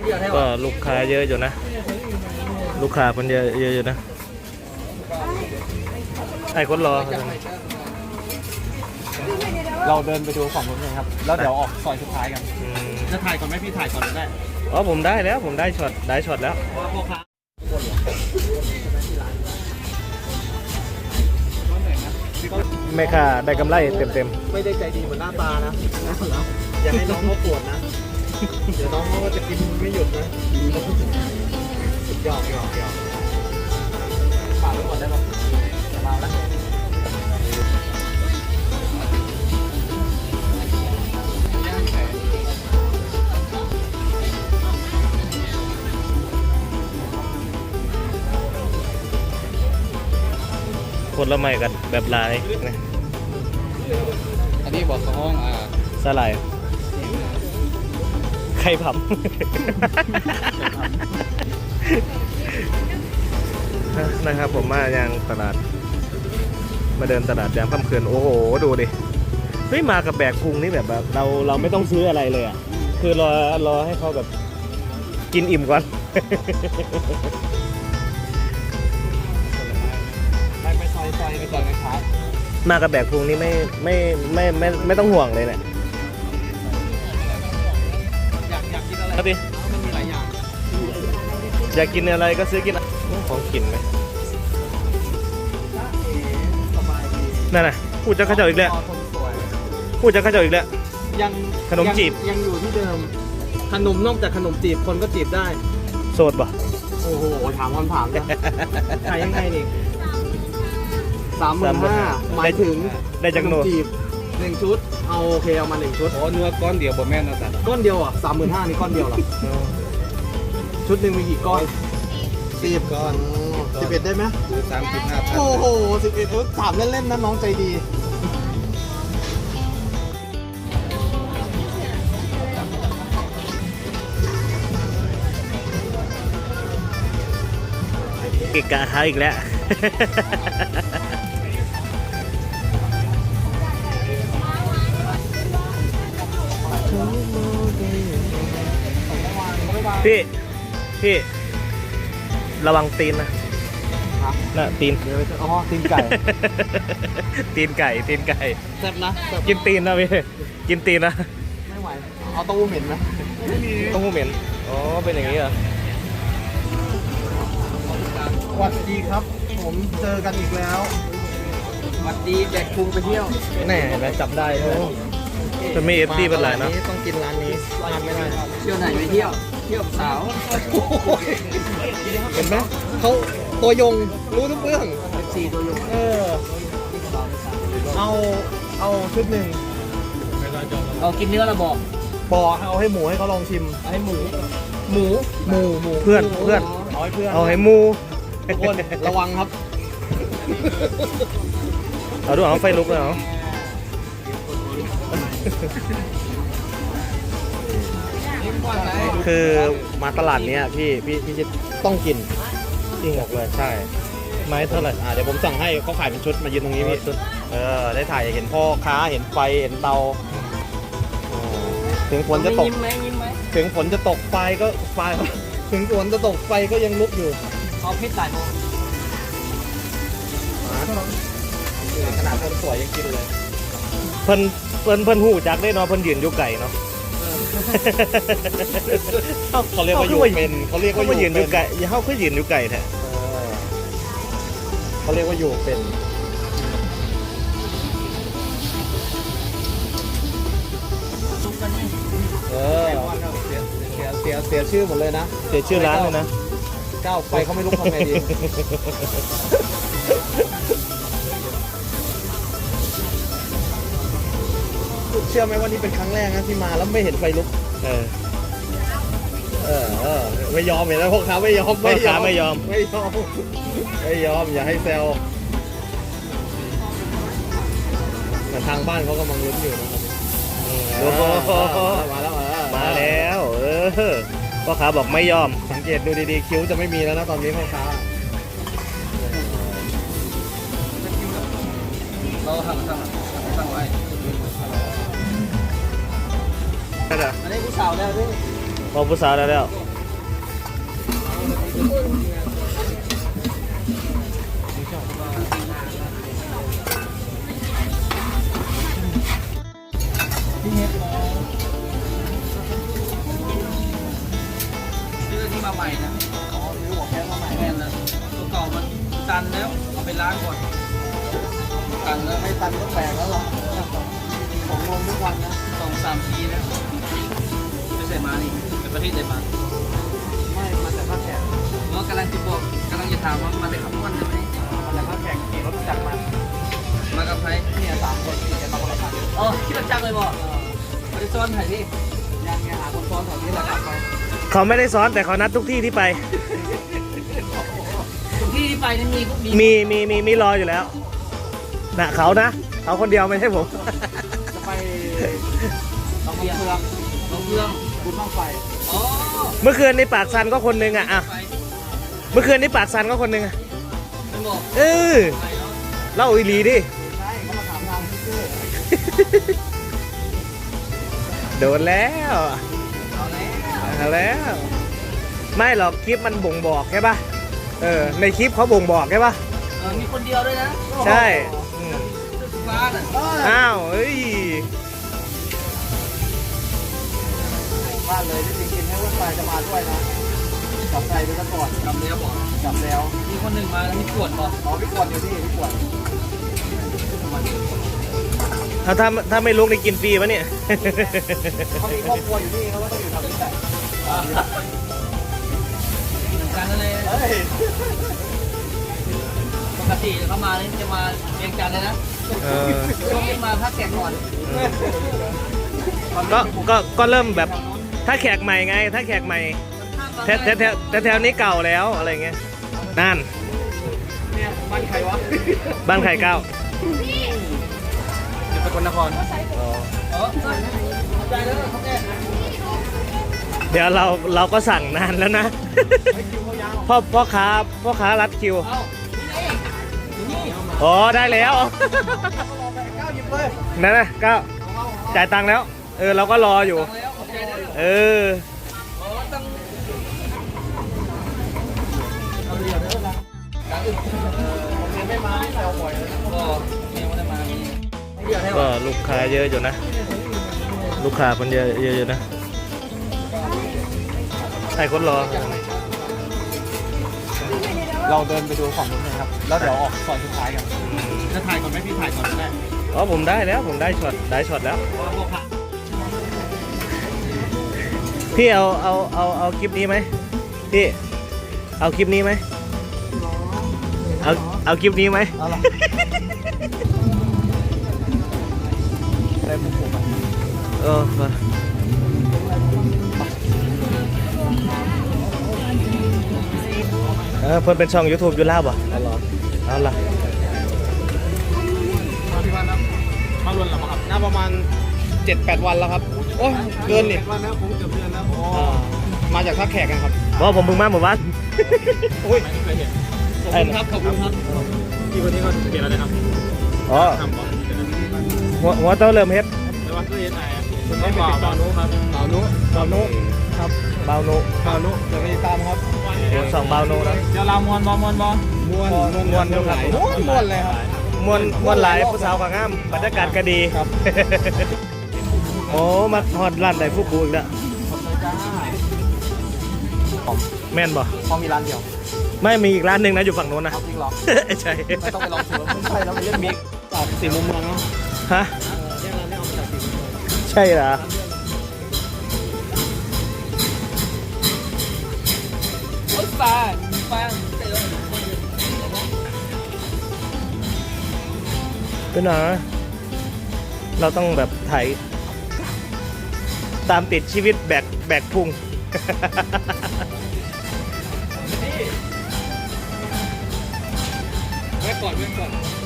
ก็ลูกค้าเยอะอยู่นะลูกค้าคนเยอะอยู่นะไอ้คนรอเราเดินไปดูฝั่งนู้นเลยครับแล้วเดี๋ยวออกซอยสุดท้ายกันจะถ่ายก่อนไหมพี่ถ่ายก่อนได้อ๋อผมได้แล้วผมได้ช็อตแล้วแม่ค้าได้กำไรเต็มไม่ได้ใจดีเหมือนหน้าตานะอย่าให้น้องเขาปวดนะเดี๋ยวน้องเขาก็จะกินไม่หยุดนะหยอกฝากไว้ก่อนได้ปะจะมาแล้วผลไม้กันแบบลายนะอันนี้บอกห้องสลายไข่ผำ นะครับผมมายังตลาดมาเดินตลาดยามค่ำคืนโอ้โหดูดิเฮ้ยมากับแบกพุงนี่แบบเราไม่ต้องซื้ออะไรเลยอ่ะคือรอให้เขาแบบกินอิ่มก่อนไปซอยกันครับมากับแบกพุงนี่ไม่ต้องห่วงเลยเนี่ยอยากกินอะไรครับพี่มันมีหลายอย่างอยากกินอะไรก็ซื้อกินของกินไหมนั่นน่ะพูดจะข้าเจ้าอีกแล้วพูดจะข้าเจ้าอีกแล้วยังขนมจีบยังอยู่ที่เดิมขนมนอกจากขนมจีบคนก็จีบได้โสดป่ะโอ้โหถามคำถามนะขายยังไงนี่35,000หมายถึงได้จากโนจีบ1 ชุดเอาโอเคเอามา1 ชุดโอ้เนื้อก้อนเดียวบ่แม่นนะจ๊ะก้อนเดียวอ่ะ35,000นี่ก้อนเดียวหรอชุดหนึ่งมีกี่ก้อน10 ก้อน11ได้ไหมคือ35,000 โอ้โห11ถามเล่นๆนะน้องใจดีกิกะหาอีกแล้วพี่ระวังตีนนะน่ะตีนอ๋อตีนไก่ตีนไก่แซ่บนะกินตีนนะพี่กินตีนนะไม่ไหวเอาเต้าหู้เหม็นไหมเต้าหู้เหม็นอ๋อเป็นอย่างนี้เหรอสวัสดีครับผมเจอกันอีกแล้วสวัสดีแบกพุงไปเที่ยวแน่ไหมจับได้จะไม่เอฟซีเป็นไรนะต้องกินร้านนี้ร้านไม่ได้เที่ยวไหนไปเที่ยวสาวเห็นไหมเขาตัวยงรู้ทุกเรื่อง 4 ตัวยงเอาชุดหนึ่งเอากินเนื้อละบอกเอาให้หมูให้เขาลองชิมให้หมูเพื่อนเอาให้เพื่อนเอาให้หมูทุกคนระวังครับเอาดูเอาไฟลุกเลยเหรอคือมาตลาดนี้พี่จะต้องกินจริงเลยใช่ไม้เท่าไหร่เดี๋ยวผมสั่งให้เขาขายเป็นชุดมายืนตรงนี้พี่ได้ถ่ายเห็นพ่อค้าเห็นไฟเห็นเตาถึงฝนจะตกถึงฝนจะตกไฟก็ถึงฝนจะตกไฟก็ยังลุกอยู่เอาพิษใส่โมขนาดคนสวยยังกินเลยเพิ่นหูจักได้เนาะเพิ่นยืนอยู่ไก่เนาะเขาเรียกว่าอยู่เป็นเขาเรียกว่ายืนอยู่ไก่เขาคือยืนอยู่ไก่แท้เขาเรียกว่าอยู่เป็นเสียชื่อหมดเลยนะเสียชื่อร้านเลยนะก้าวไปเขาไม่รู้ทำไงดีเชื่อไหมว่านี่เป็นครั้งแรกนะที่มาแล้วไม่เห็นไฟลุกไม่ยอมเห็นไหมพวกค้าไม่ยอมอย่าให้แซวแต่ทางบ้านเขากำลังลุ้นอยู่นะครับมาแล้วพ่อค้าบอกไม่ยอมสังเกตดูดีๆคิ้วจะไม่มีแล้วนะตอนนี้พ่อค้าเราสั่งไว้อันนี้ผู้สาวแล้วด้วยพอผู้สาวแล้วซื้อที่มาใหม่นะอ๋อมีหัวแค่มาใหม่แม่นนะตัวเก่ามันตันแล้วเอาไปล้างก่อนตันแล้วไม่ตันก็แปลกแล้วหรอผมงงทุกวันนะ 2-3 ปีแล้วไม่ใช่มานี่เป็นประเทศไหนมาไม่มาแต่ภาคแขกเมื่อกำลังจะบอกกำลังจะถามว่ามาได้ขับวันใช่ไหมมาแต่ภาคแขกขี่รถจักรมามากับใครเนี่ย3 คนขี่กันมาคนละคันอ๋อที่เราจังเลยบอกมาได้ซ้อนถ่ายพี่ยังไงหาคนซ้อนแถวนี้แหละกลับไปเขาไม่ได้ซ้อนแต่เขานัดทุกที่ที่ไปทุกที่ที่ไปนั้นมีพวกมีมีรออยู่แล้วนะเขาคนเดียวไม่ใช่ผมจะไปลำเพืองลงเครื่องบุญบ้างไฟอ๋อเมื่อคืนในปากซันก็คนหนึงอ่ะไปเมื่อคืนในปากซันก็คนหนึงอ่ะไม่บอกเออไปแล้วเล่าอีหลีดิใช่เขามาถามทางชื่อโดนแล้วเอาแล้วเอาแล้ว ไม่หรอกคลิปมันบ่งบอกใช่ปะในคลิปเขาบ่งบอกใช่ปะมีคนเดียวด้วยนะใช่อืมเสื้อสีฟ้าน่ะอ้าวเอ้ยบ้านเลยที่จริงๆให้วันไฟจะมาด้วยนะจับใจไปซะก่อนจำแล้วบอกจับแล้วมีคนหนึ่งมาแล้วมีขวดบอกอ๋อพี่กวนอยู่นี่พี่กวนถ้าไม่ลุกนี่กินฟรีปะเนี่ยเขามีครอบครัวอยู่นี่เขาก็ต้องอยู่แถวนี้แหละเหมือนกันนั่นเลยเฮ้ยปกติเขามาเนี่ยจะมาเรียงจันทร์เลยนะเออช่วงนี้มาพักแขกก่อนก็เริ่มแบบถ้าแขกใหม่ไง ถ้าแขกใหม่แถวนี้เก่าแล้วอะไรเงี้ยนั่นเนี่ยบ้านใครวะบ้านไข่เก้าอยู่สกลนครอ๋อใจแล้วเขาแก่เดี๋ยวเราก็สั่งนานแล้วนะไม่คิวเขายาวพ่อค้ารัดคิวเอ้านี่นี่อ๋อได้แล้วเขารอไปก้าวหยิบเลยนั่นนะเก้าจ่ายตังค์แล้ว เราก็รออยู่ตังแล้วขอบใจด้วยเอออ๋อตั้งเอาเดี๋ยวเด้อนะตังอื่นผมยังไม่มาแซวบ่อยเลยก็ยังไม่ได้มามีเดือดให้ก็ว่าลูกค้าเยอะอยู่นะ ลูกค้าคนเยอะอยู่นะใช่คนรอเราเดินไปดูฝั่งนู้นนะครับ แล้วเดี๋ยวออกซอยสุดท้ายกันจะถ่ายก่อนไหมพี่ถ่ายก่อนก็ได้อ๋อผมได้แล้วผมได้ช็อตแล้วพวกพระพี่เอาคลิปนี้ไหมพี่เอาคลิปนี้ไหมเอาคลิปนี้ไหมเอาล่ะได้มุกผมเออมาเพิ่นเป็นช่อง YouTube อยู่ลาวบ่เอาล่ะเอาล่ะมาที่วันนะมาล้วนหรือเปล่าครับน่าประมาณ 7-8 วันแล้วครับ โอ้ยเกินนี่วันแล้วผมเกือบเดือนแล้วมาจากท่าแขกกันครับเพราะผมเพิ่งมาหมู่บ้านอุ้ยไม่เคยเห็นขอบคุณครับขอบคุณครับพี่คนนี้ก็เปลี่ยนอะไรครับอ๋อทำก่อนหัวเต้าเริ่มเฮ็ดไม่ว่าคือเห็นไหนคุณไม่บ่าวนุครับบ่าวนุครับเบาโนบ่าวนุเดี๋ยวไปติดตามครับสองเบาโนนะเดี๋ยวเรามวนบ่มวนบ่มวนอยู่ครับมวนเลยครับมวนหลายผู้สาวกับงามบรรยากาศก็ดีครับโอ้มาฮอดร้านไดฟูกูอีกแล้วขอบคุณจ้าแม่นบ่พอมีร้านเดียวไม่มีอีกร้านหนึ่งนะอยู่ฝั่งโน้นนะเอาจริงเหรอใช่ไม่ต้องไปลองถือไม่ใช่แล้วมันเล่นมิกจากสี่มุมเมืองเนาะฮะเนี่ยเราเนี่ยเอามาจากสี่มุมเมืองใช่เหรอโอ๊ยปลาเต๋อเป็นหรอเราต้องแบบถ่ายตามติดชีวิตแบกพุงเว้ยก่อน